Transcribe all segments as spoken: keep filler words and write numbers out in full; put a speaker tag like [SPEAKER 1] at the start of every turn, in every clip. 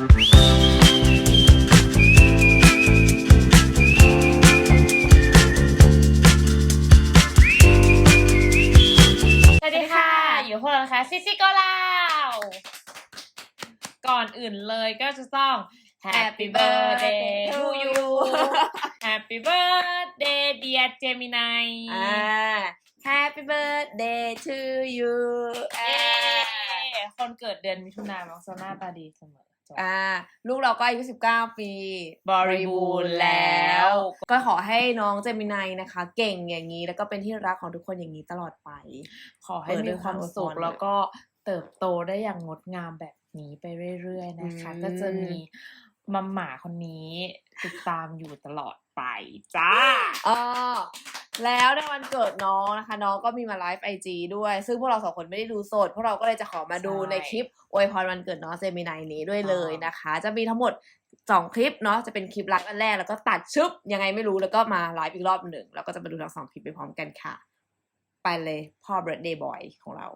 [SPEAKER 1] สวัสดีค่ะอยู่พวกเรานะคะซิซิโกลาวก่อนอื่นเลยก็จะต้อง Happy birthday to you Happy birthday dear Gemini
[SPEAKER 2] อ่า Happy birthday to you
[SPEAKER 1] เย้คนเกิดเดือนมิถุนายนมักจะหน้าตาดีเสมอ
[SPEAKER 2] อ่าลูกเราก็อายุสิบเก้าปี
[SPEAKER 1] บริบูรณ์แล้ว
[SPEAKER 2] ก็ขอให้น้องเจมินายนะคะ เก่งอย่างนี้แล้วก็เป็นที่รักของทุกคนอย่างนี้ตลอดไป
[SPEAKER 1] ขอให้มีความสุขแล้วก็เติบโตได้อย่างงดงามแบบนี้ไปเรื่อยๆนะคะก็จะมีมัมหมาคนนี้ติดตามอยู่ตลอดไปจ้า
[SPEAKER 2] อ๋อแล้วในวันเกิดน้องนะคะน้องก็มีมาไลฟ์ไอจีด้วยซึ่งพวกเราสองคนไม่ได้ดูสดพวกเราก็เลยจะขอมาดูในคลิปอวยพรวันเกิดน้องเจมินายนี้ด้วยเลยนะคะจะมีทั้งหมดสองคลิปเนาะจะเป็นคลิปรักอันแรกแล้วก็ตัดชึบยังไงไม่รู้แล้วก็มาไลฟ์อีกรอบหนึ่งแล้วก็จะมาดูทั้งสองคลิปไปพร้อมกันค่ะไปเลยพ่อ birthday boy ของเรา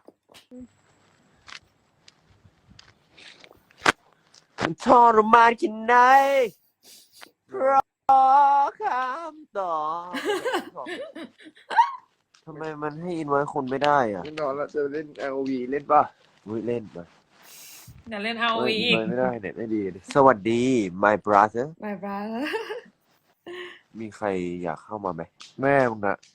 [SPEAKER 3] มันทรมานแค่ไหนรอคำตอบทำไมมันให้อินไว้คนไม่ได้อ่ะ
[SPEAKER 4] แน่นอนแล้วจะเล่น แอล โอ วี เล่นป่ะ
[SPEAKER 3] วิเล่นมา
[SPEAKER 1] อย่าเล่นเอา
[SPEAKER 3] เอ้ย
[SPEAKER 1] อีก
[SPEAKER 3] ไม่ได้เน็ตไม่ดี สวัสดี my brother
[SPEAKER 2] my brother
[SPEAKER 3] มีใครอยากเข้ามาไหมแม่มึงอะ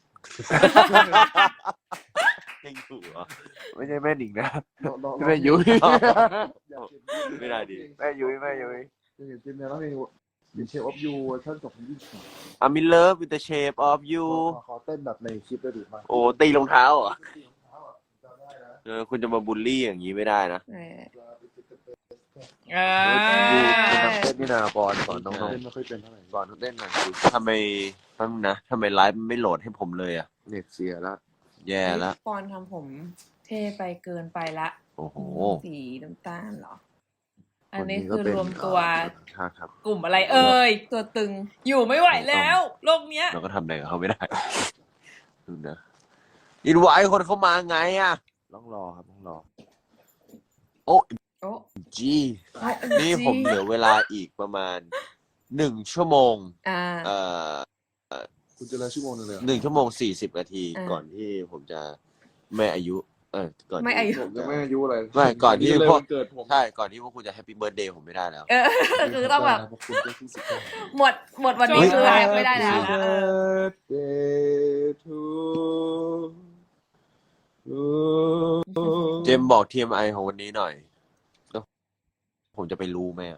[SPEAKER 3] ยังอยู่เหรอไม่ใช่แม่หนิงนะ
[SPEAKER 4] น้องๆ
[SPEAKER 3] แม่ยุ้ย
[SPEAKER 4] อยากเห็น
[SPEAKER 3] ไม่ได้ดิแม่ยุ้ยแม่ยุ้ย
[SPEAKER 4] อยากเห็นจิมเนี่ยร้องเพลงเป็นเชฟออฟยูเวอร์ชันสองพันยี่สิบสาม
[SPEAKER 3] I'm in love with the shape of you
[SPEAKER 4] ขอเต้นแบบในคลิปได้ดีมาก
[SPEAKER 3] โอ้ตีรองเท้าเหรอ
[SPEAKER 4] จำได้นะ
[SPEAKER 3] เออคุณจะมาบูลลี่อย่างนี้ไม่ได้นะ
[SPEAKER 2] เออ
[SPEAKER 1] เอ
[SPEAKER 3] ดู
[SPEAKER 1] อ
[SPEAKER 3] คุณต้องเต้นนี่นาบอลสอนน้อง
[SPEAKER 4] เต้นไม่ค่อยเป็นเท่าไหร่
[SPEAKER 3] ๆสอนเต้นหน่อยสิทำไมแป๊บนึงนะทำไมไลฟ์มันไม่โหลดให้ผมเลยอ่ะ
[SPEAKER 4] เน็ตเสียแล้ว
[SPEAKER 3] แย่แล้ว
[SPEAKER 2] ปอนทำผม
[SPEAKER 1] เท่ไปเกินไปละ
[SPEAKER 3] โอ้โห
[SPEAKER 2] สีน้ำตาลเหรอ
[SPEAKER 1] อันนี้คือรวมตัว
[SPEAKER 3] ครับครับ
[SPEAKER 1] กลุ่มอะไรเอ่ย
[SPEAKER 2] ตัวตึง
[SPEAKER 1] อยู่ไม่ไหวแล้วโลกเนี้ย
[SPEAKER 3] เราก็ทำอะไรกับเขาไม่ได้ดูนะอินไว้คนเข้ามาไงอ่ะต้องรอครับต้องรอ โอ้
[SPEAKER 2] โอ้
[SPEAKER 3] จี นี่ผมเหลือเวลาอีกประมาณหนึ่งชั่วโมง
[SPEAKER 2] อ่า
[SPEAKER 3] เอ่อ
[SPEAKER 4] คุณจะเลยชั่วโมงนึงเลยเหรอ
[SPEAKER 3] หนึ่งชั่วโมงสี่สิบนาที
[SPEAKER 2] อ่า
[SPEAKER 3] ก่อนที่ผมจะไม่อายุ เออก่อนที่
[SPEAKER 2] ไม่อายุ
[SPEAKER 4] ผมจะไม่อายุอะไร
[SPEAKER 3] ไม่ก่อนที่
[SPEAKER 4] เลย
[SPEAKER 3] พวก
[SPEAKER 4] วันเกิดผม
[SPEAKER 3] ใช่ก่อนที่พวกคุณจะแฮปปี้เบิร์ดเดย์ผมไม่ได้แล้ว
[SPEAKER 2] เออ คือต้องแบบ
[SPEAKER 4] เพราะคุณก็ที่สิบเก้า
[SPEAKER 2] หมดหมดวันนี้คือแฮปไม่ได้แล้ว
[SPEAKER 1] เอ
[SPEAKER 4] birthday to you
[SPEAKER 3] เจมส์บอก ที เอ็ม ไอ ของวันนี้หน่อยแล้วผมจะไปรู้ไหมอะ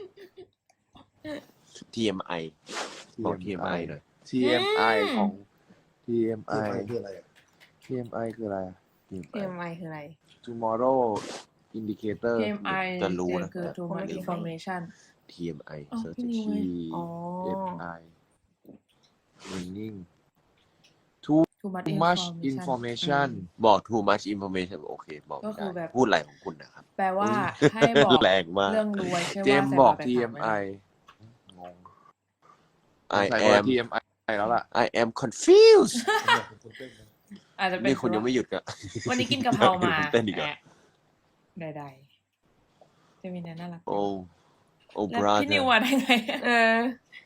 [SPEAKER 3] ที เอ็ม ไอ บอก ที เอ็ม ไอ หน่อย
[SPEAKER 4] ที เอ็ม ไอ ของ ที เอ็ม ไอ
[SPEAKER 5] คืออะไรอ่ะ
[SPEAKER 4] ที เอ็ม ไอ คืออะไรอะ
[SPEAKER 3] ที เอ็ม
[SPEAKER 2] เตรี
[SPEAKER 3] ไอ
[SPEAKER 2] ยมไว้คืออะไร
[SPEAKER 4] tomorrow indicator
[SPEAKER 1] ที เอ็ม ไอ
[SPEAKER 3] จะรู้นะ
[SPEAKER 1] คือ too much information
[SPEAKER 3] ที เอ็ม ไอ
[SPEAKER 1] อ๋อ
[SPEAKER 3] search
[SPEAKER 1] พี่นิว
[SPEAKER 4] T
[SPEAKER 2] อ๋อ
[SPEAKER 4] M I meaning
[SPEAKER 1] too
[SPEAKER 4] too
[SPEAKER 1] much
[SPEAKER 4] much
[SPEAKER 1] information
[SPEAKER 4] information
[SPEAKER 3] บอก too much information โอเค บอก
[SPEAKER 1] ก็
[SPEAKER 3] ไม่
[SPEAKER 1] คือแบ
[SPEAKER 3] ได้
[SPEAKER 1] บ
[SPEAKER 3] พูดอะไรของคุณนะครับ
[SPEAKER 1] แปลว่าให้บอก
[SPEAKER 3] แรงมาก
[SPEAKER 1] เรื่องรวยใช่
[SPEAKER 4] เจ
[SPEAKER 1] ว่าม
[SPEAKER 4] ส์
[SPEAKER 1] ใส่
[SPEAKER 4] บอก
[SPEAKER 1] ไป
[SPEAKER 4] ที
[SPEAKER 1] ถา
[SPEAKER 4] เอ็ม
[SPEAKER 1] ม
[SPEAKER 4] ไอ
[SPEAKER 1] ไว้
[SPEAKER 4] งง
[SPEAKER 3] I
[SPEAKER 4] ใส่ว่า
[SPEAKER 3] am
[SPEAKER 4] ที เอ็ม ไอ แล้วล่ะ
[SPEAKER 3] I am confused
[SPEAKER 1] อาจจะเป็น
[SPEAKER 3] นี่คุณยังไม่หยุดกะ
[SPEAKER 1] วันนี้กินกะเพรามา
[SPEAKER 3] เต้นอีกเหรอ
[SPEAKER 1] แอะใดๆจะมีน่ารัก
[SPEAKER 3] โอ้โอ้
[SPEAKER 1] แล้ว
[SPEAKER 3] brother
[SPEAKER 1] พี่นิวมาได้ไง
[SPEAKER 2] เออ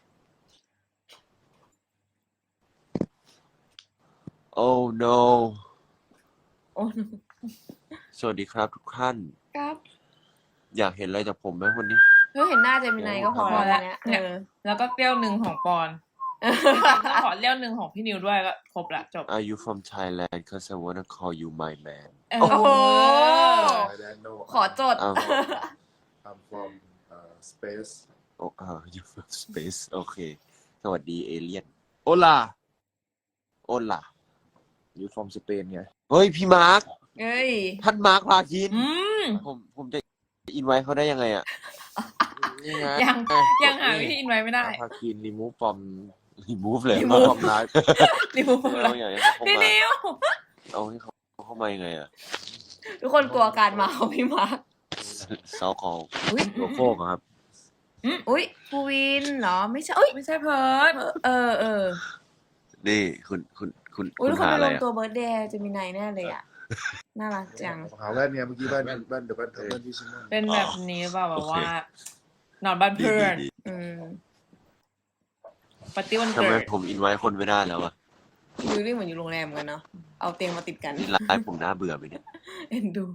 [SPEAKER 3] oh no
[SPEAKER 2] โอ้
[SPEAKER 3] สวัสดีครับทุกท่าน
[SPEAKER 2] ครับ
[SPEAKER 3] อยากเห็นอะไรจากผมไหมวันนี้
[SPEAKER 2] เฮ้ยเห็นหน้าเจมินายก็พอ
[SPEAKER 1] พอ
[SPEAKER 2] แล้
[SPEAKER 1] แล้ว ว
[SPEAKER 2] เนี่ย
[SPEAKER 1] เนี่ย
[SPEAKER 2] เออ
[SPEAKER 1] แล้วก็เปรี้ยวหนึ่งของปอนก็ขอเลี้ยวหนึ่งของพี่นิวด้วยก็ครบละจบ
[SPEAKER 3] Are you from Thailand? Cause I wanna call you my man
[SPEAKER 1] เออ
[SPEAKER 2] โอ้โห
[SPEAKER 5] I don't know
[SPEAKER 2] ขอจด
[SPEAKER 3] อ้าว
[SPEAKER 5] I'm from uh, space
[SPEAKER 3] โอ้อ่า you from space โอเค สวัสดีเอเลียน
[SPEAKER 4] โอลา
[SPEAKER 3] โอ้ล่ะ
[SPEAKER 4] อยู่ from สเปนไง
[SPEAKER 3] เฮ้ย พี่มาร์ค
[SPEAKER 2] เอ้ย
[SPEAKER 3] ท่านมาร์คพาคิน
[SPEAKER 1] อืม
[SPEAKER 3] ผมผมจะอินไว้เขาได้ยังไงอ่ะ
[SPEAKER 4] นี่ไง
[SPEAKER 1] ยังยังหาวิธีอินไว้ไม่ได้
[SPEAKER 4] พาคิน remove from
[SPEAKER 3] remove เลย
[SPEAKER 4] remove from live
[SPEAKER 1] รีมูฟ
[SPEAKER 3] ไม่
[SPEAKER 1] แล้
[SPEAKER 3] เอา
[SPEAKER 1] ว
[SPEAKER 3] อย่างนี้เขาเข้า
[SPEAKER 1] พี่
[SPEAKER 3] มา
[SPEAKER 1] นิว
[SPEAKER 3] เอาให้เขาเข้ามายังไงอ่ะ
[SPEAKER 2] ทุกคนกลัวการมาของพี่มาร์ค
[SPEAKER 3] เซาคอล
[SPEAKER 2] อุ้ย
[SPEAKER 3] โลโคกครับ
[SPEAKER 2] อุ้ยภูวินเหรอ ไม่ใช่อุ้ย
[SPEAKER 1] ไม่ใช่เพิร์ด
[SPEAKER 2] เออเออ
[SPEAKER 3] นี่คุณคุณคุณ
[SPEAKER 2] อุ้ย
[SPEAKER 3] คุ
[SPEAKER 2] ทุ
[SPEAKER 3] ณ
[SPEAKER 2] กคน
[SPEAKER 3] หา
[SPEAKER 2] ไป
[SPEAKER 3] อะไร
[SPEAKER 2] รวม
[SPEAKER 3] อ่ะ
[SPEAKER 2] ตัวเบิร์ดเดย์เจมินายแน่เลยอ่ะน่ารักจัง
[SPEAKER 5] หาแว่นเนี่ยเมื่อกี้แว่นแว่นเดี๋ยวแว่นเดี๋ยวแว่นที่ฉันนั่ง
[SPEAKER 1] เป็นแบบนี้เปล่าแบบว่า นอนบ้าน
[SPEAKER 3] ดี
[SPEAKER 1] เพื่อน
[SPEAKER 3] ดี
[SPEAKER 2] อืม
[SPEAKER 1] ปาร์ตี้วัน
[SPEAKER 3] ทำ
[SPEAKER 1] เกิ
[SPEAKER 3] ไม
[SPEAKER 1] ด
[SPEAKER 3] ผมอินไว้คนไม่ได้แล้วอะ
[SPEAKER 2] ดูนี่เหมือนอยู่โรงแรมเหมือนกันเนาะเอาเตียงมาติดกัน
[SPEAKER 3] นี่ไลฟ์ผมน่าเบื่อไปเนี่ย
[SPEAKER 2] เอ็นดู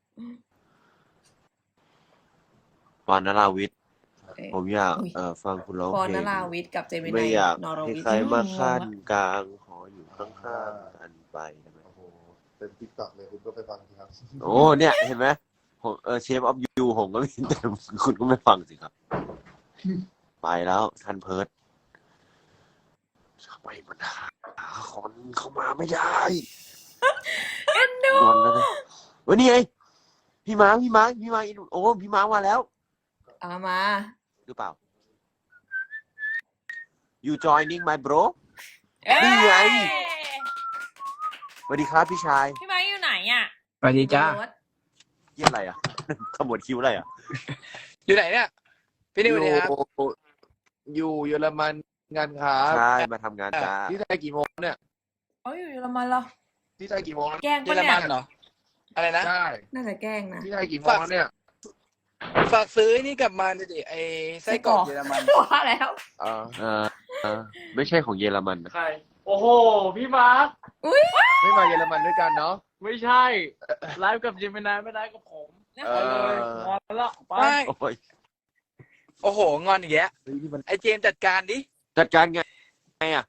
[SPEAKER 3] ปอนนราวิทย์
[SPEAKER 2] เอ๊ะ
[SPEAKER 3] ผมอยาก
[SPEAKER 2] อุ๊ย
[SPEAKER 3] เอ่อฟังคุณร้อง
[SPEAKER 2] ปอน
[SPEAKER 3] เพล
[SPEAKER 2] น
[SPEAKER 3] ง
[SPEAKER 2] ราวิทย์กับเจมิ
[SPEAKER 3] ไม่
[SPEAKER 2] นาย
[SPEAKER 3] อยาก
[SPEAKER 2] นอร
[SPEAKER 3] ให้
[SPEAKER 2] วิท
[SPEAKER 3] ใคร
[SPEAKER 2] ย์
[SPEAKER 3] มาขั้นกลางขออยู่ข้างๆกันไปได้ไหม
[SPEAKER 5] โอ้โหเต็มติ๊กต็อกเลยคุณก็ไปฟังทีครับ
[SPEAKER 3] โอ้เนี่ยเห็นไหมผมเออเชฟออฟยูผมก็มีแต่คุณก็ไม่ฟังสิครับ ไปแล้วทันเพิร์ดทำไมมันหาคนเข้ามาไม่ได้
[SPEAKER 2] เอ็นดู
[SPEAKER 3] งอนแล้วนะเว้ยนี่ไงพี่มาร์คพี่มาร์คพี่มาร์คโอ้พี่มาร์คมาแล้ว
[SPEAKER 2] เอามา
[SPEAKER 3] หรือเปล่า you joining my bro
[SPEAKER 1] เอ้ย
[SPEAKER 3] นี่ไง สวัสดีครับพี่ชาย
[SPEAKER 1] พี่ไม้อยู่ไหนอ่ะ
[SPEAKER 6] สวัสดีจ้า
[SPEAKER 2] รถ
[SPEAKER 3] เยี่ยอะไรอ่ะ ขมวดคิ้วอะไรอ่ะ
[SPEAKER 6] อยู่ไหนเนี่ย พี่นิวสวัสดีครับ
[SPEAKER 4] อยู่เยอรมันงานค้า
[SPEAKER 3] ใช่มาทำงานจ้า
[SPEAKER 4] ที่ไทยกี่โมงเนี่ย
[SPEAKER 1] เขาอยู่เยอรมันเหรอ
[SPEAKER 4] ที่ไทยกี่โมงแล้ว
[SPEAKER 1] แกล้ง
[SPEAKER 6] เย
[SPEAKER 1] ปะ
[SPEAKER 6] อร
[SPEAKER 1] เนี่
[SPEAKER 6] มั
[SPEAKER 1] ย
[SPEAKER 6] นเหรอ อะไรนะ
[SPEAKER 4] ใช่
[SPEAKER 2] น่าจะแกล้งนะ
[SPEAKER 4] ที่ไทยกี่โมงแล้วเนี่ย
[SPEAKER 6] ฝากซื้อไอ้นี่กลับมาดิไอ้ไส้กรอกเยอรมัน
[SPEAKER 2] ว่าแล้ว
[SPEAKER 4] เออ
[SPEAKER 3] เออเออไม่ใช่ของเยอรมันนะ
[SPEAKER 7] ใคร โอ้โห พี่มาร์ค
[SPEAKER 4] ไม่มาเยอรมันด้วยกันเนาะ
[SPEAKER 7] ไม่ใช่ ไลฟ์กับเจมินายไม่ได้กับผม
[SPEAKER 4] เอ
[SPEAKER 7] ไปเลย
[SPEAKER 4] อ
[SPEAKER 7] งอนแล้วไป
[SPEAKER 6] ไม่
[SPEAKER 3] โอ้ย
[SPEAKER 6] โอ้โห งอนอย่างเงี้ย
[SPEAKER 4] เฮ้ยนี่มัน
[SPEAKER 6] ไอ้เจมส์จัดการดิ
[SPEAKER 3] จัดการไงไงอ่ะ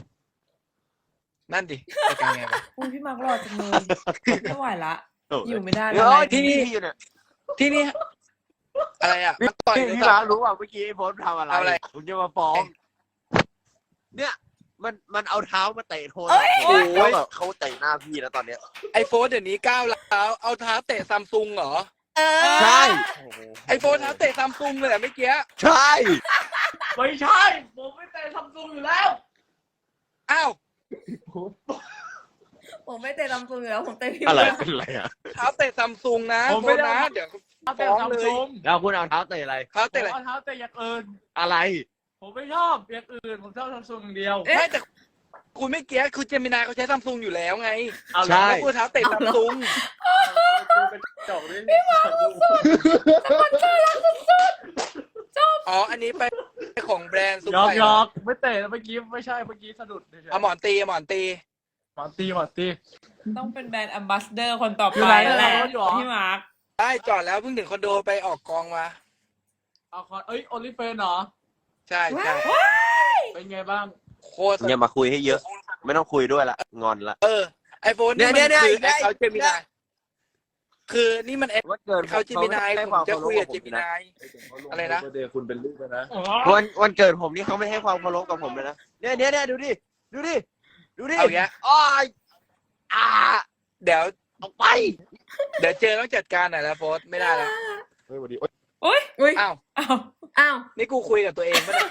[SPEAKER 6] นั่นดิ จัดการไงวะ
[SPEAKER 1] อุ้ยพี่มาร์กหล่อจังเลยไม่ไหวละ อยู่ไม่ได้
[SPEAKER 3] เดี๋
[SPEAKER 1] แล้
[SPEAKER 3] ยว ว
[SPEAKER 1] ไลฟ์
[SPEAKER 3] ที่
[SPEAKER 6] ที่
[SPEAKER 3] นี่
[SPEAKER 6] นี่
[SPEAKER 3] อยู่เนี่ย
[SPEAKER 6] ที่นี่ อะไรอ่ะมันต่อย
[SPEAKER 3] พี่
[SPEAKER 6] หรือ
[SPEAKER 3] พี่
[SPEAKER 6] เป
[SPEAKER 3] มา
[SPEAKER 6] ล่า
[SPEAKER 3] ร์ครู้ว่าเมื่อกี้ไอ้โพสต์ทำอะไร
[SPEAKER 6] ทำอะไร
[SPEAKER 3] ผมจะมาฟ้อง เนี่ย มันมันเอาเท้ามาเตะโทร
[SPEAKER 6] เอ้
[SPEAKER 3] ศัพ
[SPEAKER 6] ย
[SPEAKER 3] ท์ผมแล้วแบบเขาเตะหน้าพี่แล้วตอนเนี้ย
[SPEAKER 6] ไอโฟนเดี๋ยวนี้ก้าวแล้วเอาเท้าเตะซัมซุงเหรอ
[SPEAKER 2] เออ
[SPEAKER 3] ใช่
[SPEAKER 6] ไอโฟนเท้าเตะซัมซุงเลยเหรอเมื่อกี้
[SPEAKER 3] ใช่
[SPEAKER 7] ไม่ใช่ ผมไม่แต่ซัมซุงอยู่แล้ว
[SPEAKER 6] อ้าว
[SPEAKER 2] ผมไม่เตะลำซุงอยู่แล้วผมเตะพี่
[SPEAKER 3] อะไร
[SPEAKER 2] มาร์ค
[SPEAKER 3] เป็นอะไรอ่ะ
[SPEAKER 6] เท้าเตะซัมซุงนะ
[SPEAKER 7] ผม
[SPEAKER 6] โฟ
[SPEAKER 7] ไม่
[SPEAKER 6] น
[SPEAKER 7] ได้
[SPEAKER 6] นะเดี๋ยว
[SPEAKER 7] เอาแต่
[SPEAKER 6] ฟ้อง
[SPEAKER 7] ซัม
[SPEAKER 6] เลย
[SPEAKER 7] ซุง
[SPEAKER 3] แล้วคุณเอาเท้าเตะอะไร
[SPEAKER 6] เท้า
[SPEAKER 7] ผม
[SPEAKER 6] เตะอะไร
[SPEAKER 7] เอาเท้าแต่อย่างอื่น
[SPEAKER 3] อะไร
[SPEAKER 7] ผมไม่ชอบอย่างอื่น ผมชอบซัมซุงอย่างเดียว
[SPEAKER 6] ไม่แต่คุณไม่เกี้ยคือเจมินายเขาใช้ซัมซุงอยู่แล้วไง
[SPEAKER 7] เอาเหรอ
[SPEAKER 3] ใช่
[SPEAKER 6] แล้วคุณเท้าเตะซัมซุง
[SPEAKER 7] กูเป็นจบเลยพี่มาร์ค
[SPEAKER 6] อ๋อ อันนี้ไปของแบรนด์ซุป
[SPEAKER 7] หยอก
[SPEAKER 6] ไก่
[SPEAKER 7] หยอกไม่เตะเมื่อกี้ไม่ใช่เมื่อกี้สะดุดเฉยๆ
[SPEAKER 6] เอาหมอนตีเอาหมอนตี
[SPEAKER 7] หมอนตีหมอนตี
[SPEAKER 1] ต้องเป็นแบรนด์แอมบาสเดอร์คนต่อ
[SPEAKER 7] อยู่
[SPEAKER 1] ไป
[SPEAKER 7] ไหน
[SPEAKER 1] แล้วแหละ
[SPEAKER 7] รถอยู่เหรอ
[SPEAKER 1] พี่มาร์ก
[SPEAKER 6] ได้จอดแล้วเพิ่งถึงคอนโดไปออกกองมา
[SPEAKER 7] เอาคอนเอ้ยโอลิเฟนเหรอ
[SPEAKER 6] ใช่ใช่
[SPEAKER 7] เป็นไงบ้าง
[SPEAKER 6] โคตร
[SPEAKER 3] อย่ามาคุยให้เยอะ ไม่ต้องคุยด้วยละ งอนละ
[SPEAKER 6] เออไอโฟน
[SPEAKER 3] เนี่
[SPEAKER 6] นี่
[SPEAKER 3] ย
[SPEAKER 6] มัน
[SPEAKER 3] เนี่ย
[SPEAKER 6] คือ
[SPEAKER 3] เนี่ย
[SPEAKER 6] แอคเขาเจมินายคือนี่มันแอค
[SPEAKER 3] วันเกิด
[SPEAKER 6] เขาเจมินายผมจะคุยกับเจมินาย อะไรนะ
[SPEAKER 5] เดย์คุณเป็นลูกแล้วนะ
[SPEAKER 3] วันวันเกิดผมนี่เขาไม่ให้ความเคารพกับผมเลยนะ เนี่ยเนี่ยเนี่ยดูดิ ดูดิ ดูดิ
[SPEAKER 6] เอาอย่างเงี้ย
[SPEAKER 3] อ้อยอ่า
[SPEAKER 6] เดี๋ยว
[SPEAKER 3] ออกไป
[SPEAKER 6] เดี๋ยวเจอต้องจัดการหน่อยแล้วโฟนไม่ได้แล้ว
[SPEAKER 5] เฮ้ยสวัสดีโอ๊ย
[SPEAKER 1] อุ้ย
[SPEAKER 2] อุ้ย
[SPEAKER 6] อ้าว
[SPEAKER 1] อ้าว
[SPEAKER 2] อ้าว
[SPEAKER 6] นี่กูคุยกับตัวเองปะเนี่ย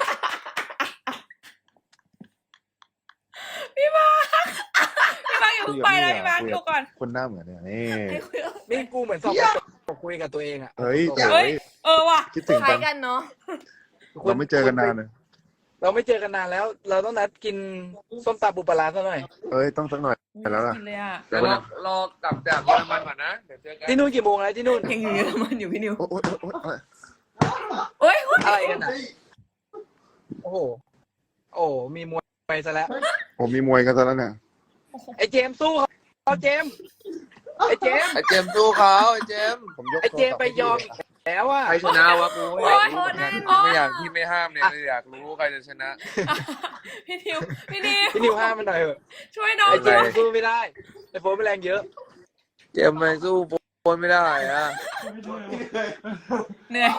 [SPEAKER 1] พี่มาร์กพี่มาร์กอย่าเพิ่งไปนะพี่มาร์กดูก่อน
[SPEAKER 5] คนหน้าเหมือนเนี่ยนี่
[SPEAKER 2] ให้คุยกับ
[SPEAKER 6] นี่กูเหมือนสอบกระจกคุยกับตัวเองอะ
[SPEAKER 5] เฮ้ย
[SPEAKER 1] เฮ้ย เออว่ะ
[SPEAKER 5] คิดถึง
[SPEAKER 2] คล้า
[SPEAKER 5] กั
[SPEAKER 2] ย
[SPEAKER 5] น
[SPEAKER 2] กันเนาะ
[SPEAKER 5] เราไม่เจอกันนานเลย
[SPEAKER 6] เราไม่เจอกันนานแล้ว เราต้องนัดกินส้มตำปูปลาร้าซะหน่อย
[SPEAKER 5] เอ้ยต้องสักหน่อย แล้วล่ะ
[SPEAKER 1] กินเลยอ่ะ
[SPEAKER 4] เดี๋ยวรอรอกลับจากเยอรมันก่อนนะ เดี๋ยวเจอกัน
[SPEAKER 6] ที่นู่นกี่โมงแล้วที่นู่น
[SPEAKER 2] ยังอยู่เยอรมันอยู่พี่นิว
[SPEAKER 5] โอ๊ยโอ๊ยโอ๊ยโอ๊ย
[SPEAKER 2] โอ้ย
[SPEAKER 6] อะไรกันอะโอ้โห โอ้โหมีมวยไปซะแล้ว
[SPEAKER 5] ผมมีมวยกันซะแล้วเนี่ย
[SPEAKER 6] ไอ้เจมส์สู้เขาเจมส์ไอ้เจมส์
[SPEAKER 4] ไอเจมส์สู้เขาไอเจมส์
[SPEAKER 5] ผมยก
[SPEAKER 6] ไอ้เจมส์ไปยอมอีกแล้วอะ
[SPEAKER 4] ใครชนะวะกู
[SPEAKER 2] โอ้ยโทษแน่นอน
[SPEAKER 4] ไม่อยากที่ไม่ห้ามเนี่ยอยากรู้ใครจะชนะ
[SPEAKER 1] พี่นิว พี่นิว
[SPEAKER 6] พี่นิวห้ามมันหน่อยเถอะ
[SPEAKER 1] ช่วยน้อง
[SPEAKER 6] ไอ้เจ
[SPEAKER 1] ด้
[SPEAKER 6] ม
[SPEAKER 1] วย
[SPEAKER 6] ส์สู้ไม่ได้ไอ้โฟนไม่แรงเยอะ
[SPEAKER 4] เจมส์ไม่สู้โฟนไม่ได้อะ
[SPEAKER 1] เหนื่อย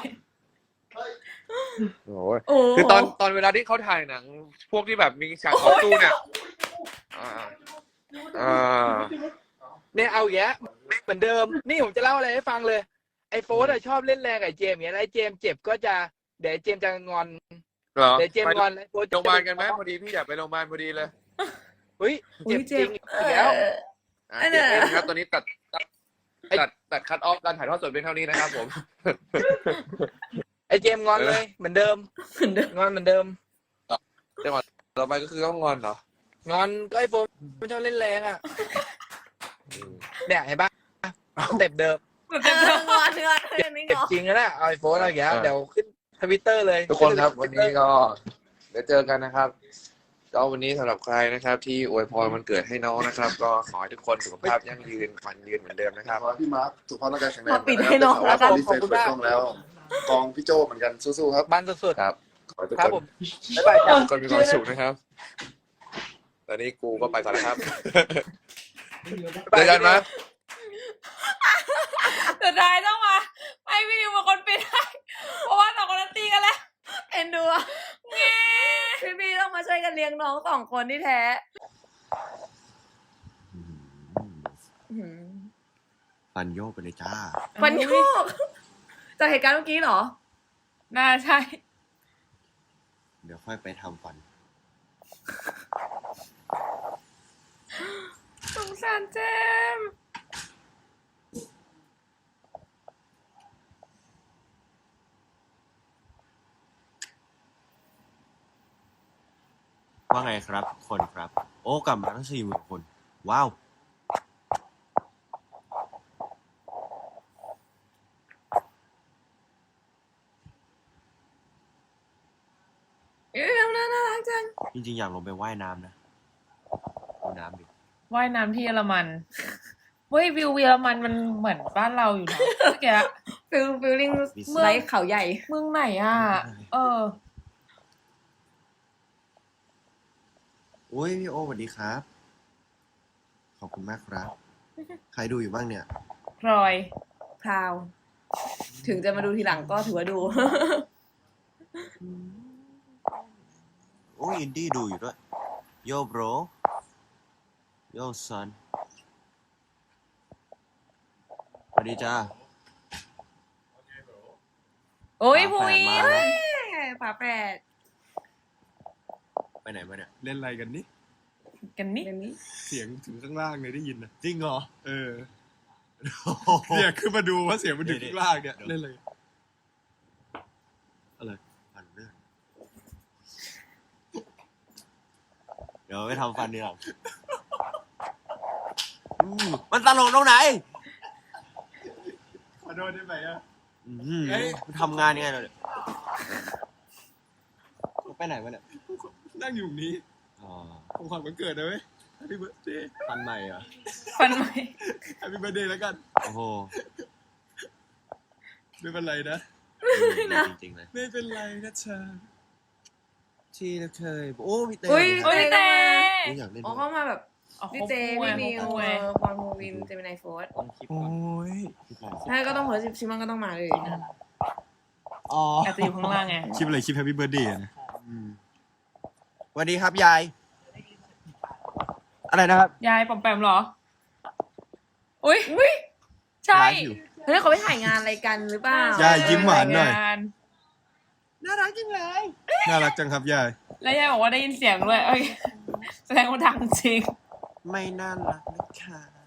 [SPEAKER 5] โอ้ย
[SPEAKER 2] โอ้
[SPEAKER 4] คือตอนตอนเวลาที่เขาถ่ายหนัง พวกที่แบบมีฉากต่อสู้เนี่ยอ่าอ่า
[SPEAKER 6] เนี่ยเอาแยะเหมือนเดิม นี่ผมจะเล่าอะไรให้ฟังเลย ไอ้โฟนอะชอบเล่นแรงกับไอ้เจมส์อย่างเงี้ยแล้วไอ้เจมส์เจ็บก็จะเดี๋ยวไอ้เจมส์จะงอน
[SPEAKER 4] เหรอ
[SPEAKER 6] เดี๋ยวเจมส์งอนแล้วไอ้โฟน
[SPEAKER 4] โรงพยาบาลกันไหมพอดีพี่อยากไปโรงพยาบาลพอดีเลย
[SPEAKER 6] เฮ้ย
[SPEAKER 2] อุ๊
[SPEAKER 6] เจ็
[SPEAKER 2] ย
[SPEAKER 6] บจ
[SPEAKER 2] เจ็
[SPEAKER 6] ริ
[SPEAKER 2] บ
[SPEAKER 6] งอีกแล้ว
[SPEAKER 2] เออ
[SPEAKER 4] อ่ะ
[SPEAKER 2] อันเนี้
[SPEAKER 4] เจ็
[SPEAKER 2] ย
[SPEAKER 4] บเองครับตอนนี้ตัดตัดตัดตัดคัดออฟการถ่ายทอดสดเป็นเท่านี้นะครับผม
[SPEAKER 6] ไอ้เจมส์งอนเลยเหมือนเดิม
[SPEAKER 2] เหมือนเดิม
[SPEAKER 6] งอนเหมือนเดิม
[SPEAKER 4] ต่อไปก็คือต้องงอนเหรอ
[SPEAKER 6] งอนก็ไอ้โฟนมันชอบเล่นแรงอ่ะเนี่ยเห็นปะสเต็ปเดิม
[SPEAKER 2] เอองอนงอนเรื่องนี้
[SPEAKER 6] เจ็
[SPEAKER 2] ง
[SPEAKER 6] บ
[SPEAKER 2] อน
[SPEAKER 6] จริงแล้วนะเอาไอโฟนอะไรอย่างเงี้ย
[SPEAKER 4] เออ
[SPEAKER 6] เดี๋ยวขึ้นทวิตเตอร์เลย
[SPEAKER 4] ทุกคนครับวันนี้ก็เดี๋ยวเจอกันนะครับก็วันนี้สำหรับใครนะครับ ที่อวยพรวันเกิดให้น้องนะครับ ก็ขอให้ทุกคนสุขภาพยั่งยืนฝันยืนเหมือนเดิมนะครับ
[SPEAKER 5] ขอให้พี่มาร์คสุขภาพร่างกายแข็งแรง
[SPEAKER 2] มาปิดให้น้อง
[SPEAKER 5] แล้
[SPEAKER 2] แล้ว ว
[SPEAKER 5] กั
[SPEAKER 2] กัน น
[SPEAKER 5] รีเฟรชเปิดกล้องแล้ว กองพี่โจเหมือนกันสู้ๆครับ
[SPEAKER 6] บ้านสุด
[SPEAKER 4] ครับ
[SPEAKER 5] ขอให้ทุก
[SPEAKER 6] ๆครับ
[SPEAKER 5] ค
[SPEAKER 6] ผ
[SPEAKER 5] น
[SPEAKER 6] มบ๊ายบายจ้ะ
[SPEAKER 4] ทุกคนมีความสุขนะครับตอนนี้กูก็ไปก่อนนะครับเจอกันไหม
[SPEAKER 1] สุดท้ายต้องมาให้พี่นิวเป็นคนปิดให้เพราะว่าสองคนนั้นตีกันแล้ว
[SPEAKER 2] เอ็นดูอะพี่พี่ต้องมาช่วยกันเลี้ยงน้องสองคนที่แท้อื้อหือ
[SPEAKER 3] ฟันโยกไปเลยจ้า
[SPEAKER 2] ฟันโยกจากเหตุการณ์เมื่อกี้เหรอ
[SPEAKER 1] น่าใช่
[SPEAKER 3] เดี๋ยวค่อยไปทำฟัน
[SPEAKER 1] สงสารเจมส์
[SPEAKER 3] ว่าไงครับทุกคนครับ โอ้กลับมาทั้งสี่หมื่นคน ว้าว
[SPEAKER 2] เอ้ยน้องน่ารักจัง
[SPEAKER 3] จริงๆ อยากลงไปว่ายน้ำนะดูน้ำดิ
[SPEAKER 1] ว่ายน้ำที่เยอรมันเว้ยวิวเยอรมันมันเหมือนบ้านเราอยู่นะเมื่อกี้
[SPEAKER 2] ฟิลฟิลลิ่งไลท์เขาใหญ่
[SPEAKER 1] เมืองไหนอ่ะ เออ
[SPEAKER 3] โอ้ยพี่โอสวัสดีครับ ขอบคุณมากครับ ใครดูอยู่บ้างเนี่ย
[SPEAKER 1] พลอย
[SPEAKER 2] พราว ถึงจะมาดูทีหลังก็ถือว่าดู
[SPEAKER 3] โอ้ยอินดี้ดูอยู่ด้วย โยโบรโยซันสวัสดีจ้า
[SPEAKER 2] โอ้ย
[SPEAKER 3] ฝา
[SPEAKER 2] ภู
[SPEAKER 3] แฝด
[SPEAKER 2] วิ
[SPEAKER 3] มา
[SPEAKER 2] น
[SPEAKER 3] แล้ว
[SPEAKER 2] ฝาแฝด
[SPEAKER 3] ไปไหนมาเนี่ย เล่นอะไรกันนี่
[SPEAKER 1] กันนี่
[SPEAKER 2] เดี๋ยวนี้
[SPEAKER 8] เสียงถึงข้างล่างเลยได้ยินนะ
[SPEAKER 3] จริงเหรอ
[SPEAKER 8] เออเนี่ยขึ้นมาดูว่าเสียงมันถึงข้างล่างเนี่ย
[SPEAKER 3] เดี๋ยว
[SPEAKER 8] เล่นเลย
[SPEAKER 3] ฟันเรื่องเดี๋ยวไปทำฟันดีกว่าอืมมันตลกตรงไหน
[SPEAKER 8] ขอโทษได้ไหมอ่ะ
[SPEAKER 3] อื้อหือ
[SPEAKER 8] เอ้ย
[SPEAKER 3] ทำงานยังไงเราเนี่ยไปไหนมาเนี่ย
[SPEAKER 8] นั่งอยู่ตรงนี้
[SPEAKER 3] อ๋อ
[SPEAKER 8] ของขวัญวันเกิดนะเว้ย Happy birthday
[SPEAKER 3] ฟันใหม่เหรอ
[SPEAKER 1] ฟันไหม
[SPEAKER 8] Happy birthday แล้วกัน
[SPEAKER 3] โอ้โห
[SPEAKER 8] ไม่เป็นไรนะ
[SPEAKER 3] จริงๆเลย
[SPEAKER 8] ไม่เป็นไรนะชา
[SPEAKER 3] ที่เราเคย โอ้พี่เต้
[SPEAKER 2] อุ้ย
[SPEAKER 1] โอ้ยแต่
[SPEAKER 3] โอ้ยอยากเล่น
[SPEAKER 2] อ๋อ
[SPEAKER 3] ด้วย
[SPEAKER 2] เข้ามาแบบ
[SPEAKER 1] อ๋อ
[SPEAKER 2] พี่เจพี่มิว
[SPEAKER 1] ครบคู่ไง
[SPEAKER 2] เออพรภูวินเจมินายโฟร์
[SPEAKER 3] ต้องคิด
[SPEAKER 8] โอ้
[SPEAKER 3] ก่อน
[SPEAKER 8] ย
[SPEAKER 3] คิดก่อน
[SPEAKER 2] ใช่ก็ต้องหัวชิมอนก็ต้องมาเลย
[SPEAKER 3] อ๋อ
[SPEAKER 1] อาจจะอยู่ข้างล่างไง
[SPEAKER 8] คลิปอะไรคลิป Happy birthday อะนะ
[SPEAKER 3] อืมสวัสดีครับยาย อะไรนะครับ
[SPEAKER 1] ยายปอมแปมเหรอ อุ้ยอุ้ยใช่
[SPEAKER 3] ไลฟ์อยู่
[SPEAKER 2] เฮ้ยเขาไปถ่ายงานอะไรกันหรือเปล่า
[SPEAKER 8] ยายยิ้มหวานหน่อย
[SPEAKER 1] งาน
[SPEAKER 3] น่ารักจังเลย
[SPEAKER 8] น่ารักจังครับยาย
[SPEAKER 1] แล้วยายบอกว่าได้ยินเสียงด้วยเอ้ยแสดงว่าดังจริง
[SPEAKER 3] ไม่น่ารักนะคะ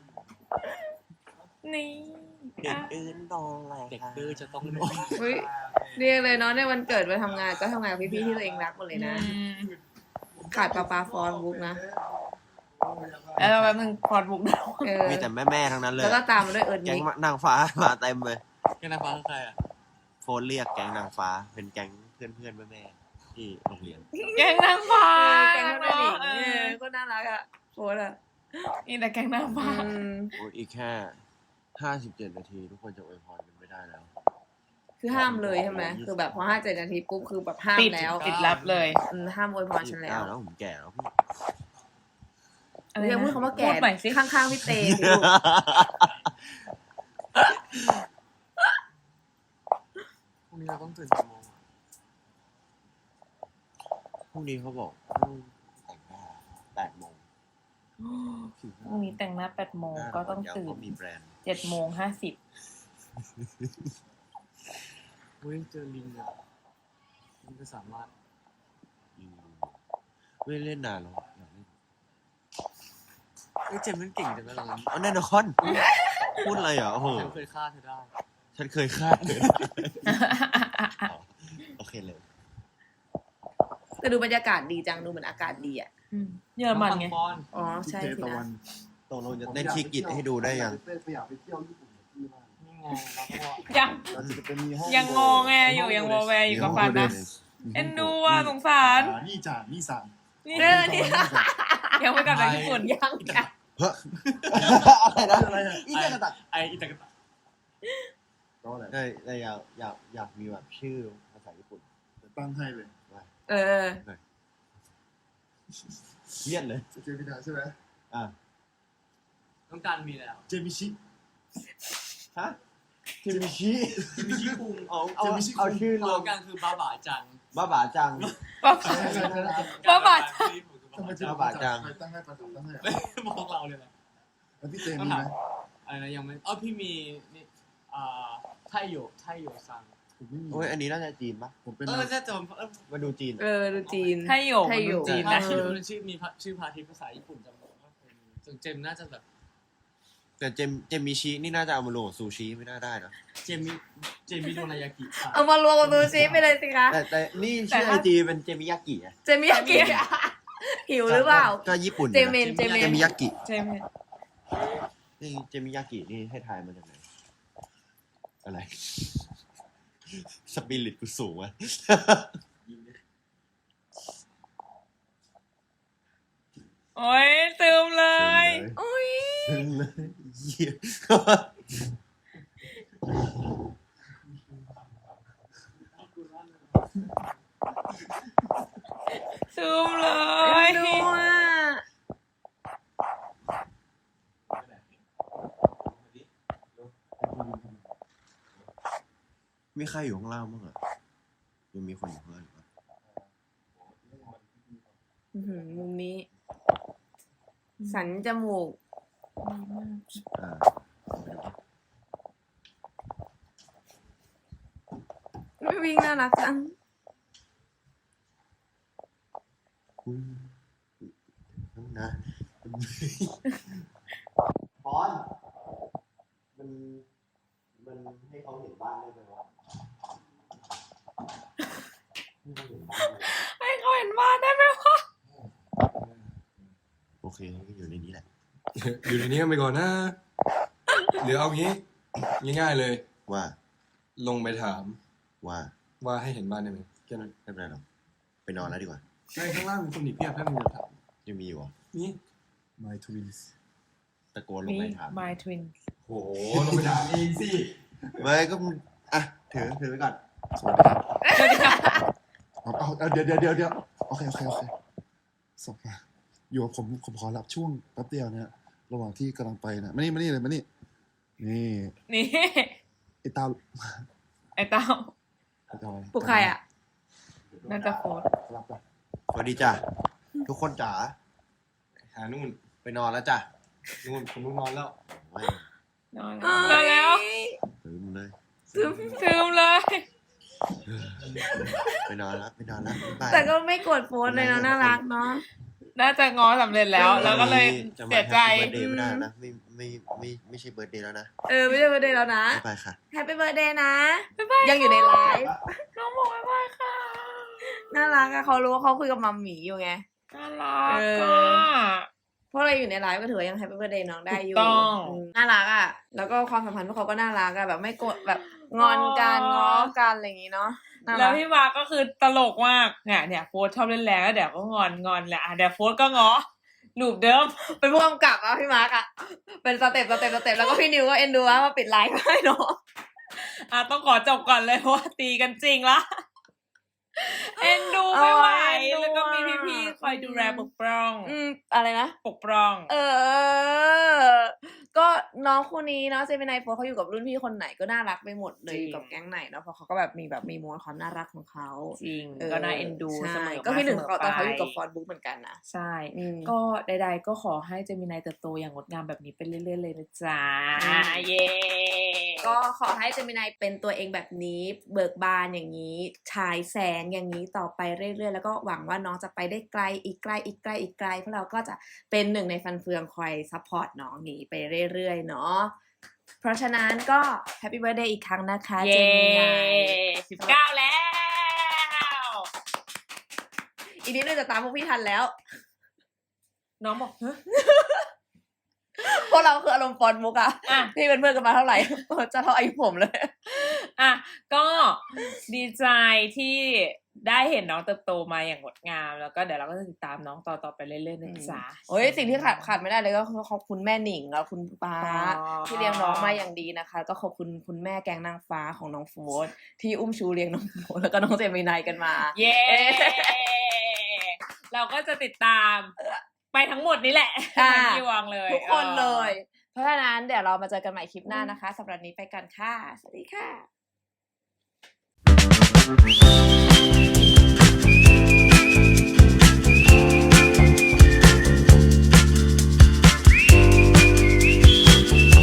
[SPEAKER 1] นี่
[SPEAKER 3] เด็กดื้อนนอนอะไรเด็กดื้อจะต้องนอน
[SPEAKER 2] เฮ้ยเรียกเลยเนาะในวันเกิดไปทำงานก็ทำงานกับพี่ๆที่ตัวเองรักหมดเลยนะ
[SPEAKER 1] อืม
[SPEAKER 2] ขาดปลาปลาฟอนบุ๊กนะ
[SPEAKER 1] แล้วแป๊บนึงพอดบุกดาว
[SPEAKER 2] เออ
[SPEAKER 3] มีแต่แม่ๆทั้งนั้นเลย
[SPEAKER 2] แล้วก็ตามมาด้วยเอิร์ธ
[SPEAKER 3] แก๊ง
[SPEAKER 2] นิก
[SPEAKER 3] นางฟ้ามาเต็มเลย
[SPEAKER 8] แกนางฟ้าคือใครอ่ะ
[SPEAKER 3] โฟนเรียกแก๊งนางฟ้า เป็นแก๊งเพื่อนๆแม่ๆที่โรงเรียน
[SPEAKER 1] แกงนางฟ้า
[SPEAKER 2] แกงน้องหลิง
[SPEAKER 1] เอ
[SPEAKER 2] เอ
[SPEAKER 1] อ
[SPEAKER 2] อก็น่ารักอ่ะโฟร์อ่ะ
[SPEAKER 1] นี่แต่แกงนางฟ้า
[SPEAKER 2] อืม
[SPEAKER 3] โอ้ยอีกแค่ห้าสิบเจ็ดนาทีทุกคนจะอวยพรกันไม่ได้แล้ว
[SPEAKER 2] คือห้ามเลยใช่ไหมคือแบบพอห้าเจ็ดนาทีปุ๊บคือแบบห้าม
[SPEAKER 1] ปิด
[SPEAKER 2] แล้ว
[SPEAKER 1] ปิดรับเลย
[SPEAKER 2] อืมห้ามอวยพรฉันแล้ว
[SPEAKER 3] แล้วผมแก่แล้วพี่
[SPEAKER 1] อะไร
[SPEAKER 2] เรียก
[SPEAKER 1] นะ
[SPEAKER 2] พูดคำว่าแก่
[SPEAKER 1] พูดใหม่สิ
[SPEAKER 2] ข้างๆพี่เตสิลูก
[SPEAKER 8] พรุ่งนี้เราต้องตื่นกี่โมงอะ
[SPEAKER 3] พรุ่งนี้เขาบอกต้องแต่งหน้าแปดโมง
[SPEAKER 1] พรุ่งนี้แต่งหน้าแปดโมงก็ต้องตื่น
[SPEAKER 3] เขามีแบรนด์
[SPEAKER 1] เจ็ดโมงห้าสิบ
[SPEAKER 8] เฮ้ยเจอลิงอ่ะลิงจะสามารถ
[SPEAKER 3] อืมไม่ได้เล่นนานแล้วอยากเล่น
[SPEAKER 8] เฮ้ยเจมส์มันเก่งจังเลยเรา
[SPEAKER 3] อ๋อแน่นอนพูดอะไรเหรอโอ้โห
[SPEAKER 8] ฉันเคยฆ่าเธอได้
[SPEAKER 3] ฉันเคยคาดเลยโอเคเลย
[SPEAKER 2] แต่ดูบรรยากาศดีจังดูเหมือนอากาศดีอ่ะ
[SPEAKER 1] อืมเยอรมันไง
[SPEAKER 8] บอล
[SPEAKER 2] อ๋อ
[SPEAKER 5] พี่
[SPEAKER 2] ใช่
[SPEAKER 5] เท
[SPEAKER 2] สิ
[SPEAKER 5] ตะวั
[SPEAKER 2] นะ
[SPEAKER 5] น
[SPEAKER 3] ตกลงจะเต้นชีกิจให้ดูได้ยัง
[SPEAKER 5] เต้นไปอยากไปเที่ยวญี่ปุ่นกับพี่มาก
[SPEAKER 7] นี่ไงเราก็บอก
[SPEAKER 1] ยัง
[SPEAKER 5] เราจะไปมีห้อง
[SPEAKER 1] ยังงงแงอยู่ยังวอแวร์อยู่กับฟันนะเอ็นดูอ่ะสงสาร
[SPEAKER 5] อ่านี่จ่านี่สั่ง
[SPEAKER 1] นี่
[SPEAKER 2] เออนี่
[SPEAKER 1] ยังไม่กลับจากญี่ปุ่น
[SPEAKER 2] ยังยัง
[SPEAKER 3] อะไรนะ
[SPEAKER 5] อะไรอ่ะ
[SPEAKER 3] อีเตกตัก
[SPEAKER 7] ไออิตากะตะ
[SPEAKER 5] ก็อะไร
[SPEAKER 3] ได้ได้อยากอยากอยากมีแบบชื่อภาษาญี่ปุ่น
[SPEAKER 5] ตั้งให้เลย
[SPEAKER 2] เออ
[SPEAKER 3] เยี่ยนเลย
[SPEAKER 5] เจมินาใช่ไหม
[SPEAKER 3] อ่ะ
[SPEAKER 7] ต้องการมีแล้ว
[SPEAKER 5] เจมิชิ
[SPEAKER 3] ฮะเจมิชิ
[SPEAKER 7] จะมีชื่อคุง
[SPEAKER 3] เอาเอาเอาชื่อ
[SPEAKER 7] ร
[SPEAKER 3] ร
[SPEAKER 7] ว
[SPEAKER 3] ว
[SPEAKER 7] ม
[SPEAKER 3] ม
[SPEAKER 7] กันคือบ้าบ่าจัง
[SPEAKER 3] บ้าบาจัง
[SPEAKER 1] ป๊า
[SPEAKER 5] ใช่ใช่ใช่ใช่
[SPEAKER 1] ป๊าบา
[SPEAKER 5] ทำไม
[SPEAKER 3] บ้าบาจัง
[SPEAKER 5] ใครตั้งให้ปันสองตั้งให้อ่ะ
[SPEAKER 7] บอกเราเลยนะ
[SPEAKER 5] แล้วพี่เจมีไหม
[SPEAKER 7] อะไรนะยังไม่อ๋อพี่มีนี่อ่าไทโยไทโยซัง
[SPEAKER 5] ผมไม่มี
[SPEAKER 3] โอ้ยอันนี้น่าจะจีนปะ
[SPEAKER 5] ผมเป็น
[SPEAKER 7] เออจะจำเออ
[SPEAKER 3] มาดูจีน
[SPEAKER 2] เออดูจีน
[SPEAKER 1] ไทยโยก
[SPEAKER 2] ไทยโยก
[SPEAKER 1] มันจีน
[SPEAKER 7] ถ้า
[SPEAKER 1] นะ
[SPEAKER 7] ชื่อชื่อมีชื่อพาทิตย์ภาษาญี่ปุ่นจำได้ว่าเป็นจนเจมน่าจะแบบ
[SPEAKER 3] แต่เจมเจมมิชินี่น่าจะเอามาลงกับซูชิไม่น่าได้นะ
[SPEAKER 7] เจมิเจมิโดนายากิ
[SPEAKER 2] เอามารวมกับซูชิไปเลยสิคะ
[SPEAKER 3] แต่แต่นี่ชื่อไอจีเป็นเจมิยากิอะ
[SPEAKER 2] เจมิยากิหิวหรือเปล่า
[SPEAKER 3] ก็ญี่ปุ่น
[SPEAKER 2] เจเมนเจเมน
[SPEAKER 3] เจมิยากิ
[SPEAKER 1] ใช่ไหม
[SPEAKER 3] นี่เจมิยากินี่ให้ทายมาจากไหนอะไร สปิริตกูสูงอะ
[SPEAKER 1] โอ้ยตืมเลย
[SPEAKER 2] โอ้ย
[SPEAKER 3] ซึ้งเลยเหี้ย
[SPEAKER 1] ตืมเล
[SPEAKER 2] เอ็
[SPEAKER 1] ย
[SPEAKER 2] นดูอ่ะ
[SPEAKER 3] มีใครอยู่ข้างล่างบ้างอะยังมีคนอยู่ข้างล่างอยู่ปะ
[SPEAKER 2] อื้อหือมุมนี้ สันจมูก
[SPEAKER 3] อ่า
[SPEAKER 2] ไม่วิ่งน่ารักจัง
[SPEAKER 3] คุณนะบอลมันมันให้เขาเห็นบ้านได้ไหมวะให้เขาเห็นบ้านได้ไหม
[SPEAKER 1] ให้เขาเห็นบ้านได้ไหมวะ
[SPEAKER 3] โอเคก็อยู่ในนี้แหละ
[SPEAKER 8] อยู่ในนี้กันไปก่อนนะ หรือเอางี้ ง่ายๆเลย
[SPEAKER 3] ว่า
[SPEAKER 8] ลงไปถาม
[SPEAKER 3] ว่า
[SPEAKER 8] ว่าให้เห็นบ้านได้ไหมแค่นั้น
[SPEAKER 3] ไม่เป็นไรหรอกไปนอนแล้วดีกว่า
[SPEAKER 8] ในข้างล่างมีคนอีกเพียบถ้ามึงจะถาม
[SPEAKER 3] ยังมีอยู่เหรอ
[SPEAKER 8] นี่
[SPEAKER 5] My Twins
[SPEAKER 3] ตะโกนลง
[SPEAKER 1] มี
[SPEAKER 3] ไปถาม
[SPEAKER 1] My Twin
[SPEAKER 8] โหลงไปถามเองสิ
[SPEAKER 3] ไม่ก็อ่ะถือถือไว้ก่อน
[SPEAKER 5] สวัสดีครับเอาเอาเอาเดี๋ยวเดี๋ยวเดี๋ยวเดี๋ยวโอเคโอเคโอเคส่งมาอยู่กับผมผมขอรับช่วงแป๊บเดียวนะระหว่างที่กำลังไปนะมานี่มานี่เลยมานี่นี่
[SPEAKER 1] นี่
[SPEAKER 5] ไอ้ตา
[SPEAKER 1] ไอ้เต้า
[SPEAKER 5] ไอ้ตาอะไร
[SPEAKER 2] ปลุกใครอ่ะ
[SPEAKER 1] น่าจะโฟน
[SPEAKER 5] รับรับ
[SPEAKER 3] สวัสดีจ้ะทุกคนจ๋า
[SPEAKER 8] หานู่น
[SPEAKER 3] ไปนอนแล้วจ้ะ
[SPEAKER 8] นู่นคนนู้นนอนแล้ว
[SPEAKER 3] ไม่
[SPEAKER 1] นอนแล้วนอนแล้ว
[SPEAKER 3] ลืมเลย
[SPEAKER 1] ซึมซึมเลย
[SPEAKER 3] ไปนอนแล้วไปนอนแล้วบ๊ายบาย
[SPEAKER 2] แต่ก็ไม่กดโพสต์เลยเนาะน่ารักเนาะ
[SPEAKER 1] น่าจะง้อสำเร็จแล้ว แล้วก็เลย
[SPEAKER 3] จะมา
[SPEAKER 1] เสียใจ
[SPEAKER 3] แฮปปี้เบิร์ดเดย์ไม่ได้นะไม่ไม่ไม่ไม่ใช่เบิร์ดเดย์แล้วนะ
[SPEAKER 2] เออไม่ใช่เบอร์เดย์แล้วนะ
[SPEAKER 3] บ๊ายบายค่ะ
[SPEAKER 2] แฮปปี้เบิร์ดเดย์นะ
[SPEAKER 1] บ๊ายบาย
[SPEAKER 2] ยังอยู่ในไลฟ์
[SPEAKER 1] น้องบอกบ๊ายบายค่ะ
[SPEAKER 2] น่ารักอะเขารู้ว่าเขาคุยกับมัมหมีอยู่ไง
[SPEAKER 1] น่ารัก
[SPEAKER 2] เออ
[SPEAKER 1] อ่ะ
[SPEAKER 2] เพราะเราอยู่ในไลฟ์ก็ถือว่ายังแฮปปี้เบิร์ดเดย์น้องได้อยู่
[SPEAKER 1] ถูกต้อง
[SPEAKER 2] มน่ารักอะแล้วก็ความสัมพันธ์พวกเขาก็น่ารักอะแบบไม่โกรธแบบงอนกันง้อกันอะไรอย่างงี้เนาะน่า
[SPEAKER 1] แล้
[SPEAKER 2] รั
[SPEAKER 1] ว
[SPEAKER 2] ก
[SPEAKER 1] พี่มาร์คก็คือตลกมากเนี่ยเนี่ยโฟร์ชอบเล่นแรงแล้วเดี๋ยวก็งอนงอนแหละอ่ะเดี๋ยวโฟร์ก็ง้อลูปเดิม
[SPEAKER 2] เป็นผู้กำกับอะพี่มาร์กอะเป็นสเต็ปสเต็ปสเต็ปแล้วก็พี่นิวก็เอ็นดูว่ามาปิดไลฟ์ให้เนาะ
[SPEAKER 1] อ่ะต้องขอจบก่อนเลยเพราะว่าตีกันจริงละเอ็นดูไม่ไหว
[SPEAKER 2] เอ็นดู
[SPEAKER 1] แล้วก็มี
[SPEAKER 2] อะ
[SPEAKER 1] พี่ๆคอยดูแลปกป้อง
[SPEAKER 2] อืมอะไรนะ
[SPEAKER 1] ปกป้อง
[SPEAKER 2] เออ ก็น้องคู่นี้เนาะเจมินายโฟร์เขาอยู่กับรุ่นพี่คนไหนก็น่ารักไปหมดเลย
[SPEAKER 1] จริง
[SPEAKER 2] อยู่กับแก๊งไหนเนาะเพราะเขาก็แบบมีแบบมีมวลความน่ารักของเขา
[SPEAKER 1] จริง
[SPEAKER 2] เออ
[SPEAKER 1] ก็น่าเอ็นดู
[SPEAKER 2] ใช่
[SPEAKER 1] เสมอ
[SPEAKER 2] ก็พี่หนึ่ง
[SPEAKER 1] สม
[SPEAKER 2] เขาตอนเขาอยู่กับ
[SPEAKER 1] ไป
[SPEAKER 2] ฟอร์ดบุ๊กเหมือนกันนะ
[SPEAKER 1] ใช่
[SPEAKER 2] อืม
[SPEAKER 1] ก็ใดๆก็ขอให้เจมินายเติบโตอย่างงดงามแบบนี้ไปเรื่อยๆเลยนะจ๊ะ
[SPEAKER 2] อืม
[SPEAKER 1] เย้
[SPEAKER 2] ก็ขอให้เจมินายเป็นตัวเองแบบนี้ เบิกบานอย่างนี้ฉายแสงอย่างนี้ต่อไปเรื่อยๆแล้วก็หวังว่าน้องจะไปได้ไกลอีกไกลอีกไกลอีกไกลเพราะเราก็จะเป็นหนึ่งในฟันเฟืองคอยซัพพอร์ตน้องนี้ไปเรื่อยๆเนาะเพราะฉะนั้นก็แฮปปี้เบิร์ดเดย์อีกครั้งนะคะเจ
[SPEAKER 1] เย้
[SPEAKER 2] มินาย
[SPEAKER 1] สิบเก้าแล้ว
[SPEAKER 2] อีกนิดนึงจะตามพวกพี่ทันแล้ว
[SPEAKER 1] น้องบอกเฮ้ย
[SPEAKER 2] พวกเราคืออารมณ์ฟอนมุกอะ
[SPEAKER 1] อ่ะ
[SPEAKER 2] ที่เป็นเพื่อนกันมาเท่าไหร่ จะเท่าอายุผมเลย
[SPEAKER 1] อ่ะก็ดีใจที่ได้เห็นน้องเติบโตมาอย่างงดงาม แล้วก็เดี๋ยวเราก็จะติดตามน้องต่อต่อไปเรื่อยๆนะจ๊ะ
[SPEAKER 2] โอ้ยสิ่งที่ขาดขาดไม่ได้เลยก็คือขอบคุณแม่หนิงแล้วคุณป้า
[SPEAKER 1] อ๋อ
[SPEAKER 2] ที่เลี้ยงน้องมาอย่างดีนะคะ ก็ขอบคุณคุณแม่แกงนางฟ้าของน้องโฟร์ที่อุ้มชูเลี้ยงน้องโฟร์แล้วก็น้องเจมินายกันมา
[SPEAKER 1] เย้ เราก็จะติดตามไปทั้งหมดนี้แหละ
[SPEAKER 2] ค่ะ
[SPEAKER 1] ทั้งที่วางเลย
[SPEAKER 2] ทุกคนเลย
[SPEAKER 1] ออ
[SPEAKER 2] เพราะฉะนั้นเดี๋ยวเรามาเจอกันใหม่คลิปหน้านะคะสำหรับนี้ไปกันค่ะ สวัสดีค่ะ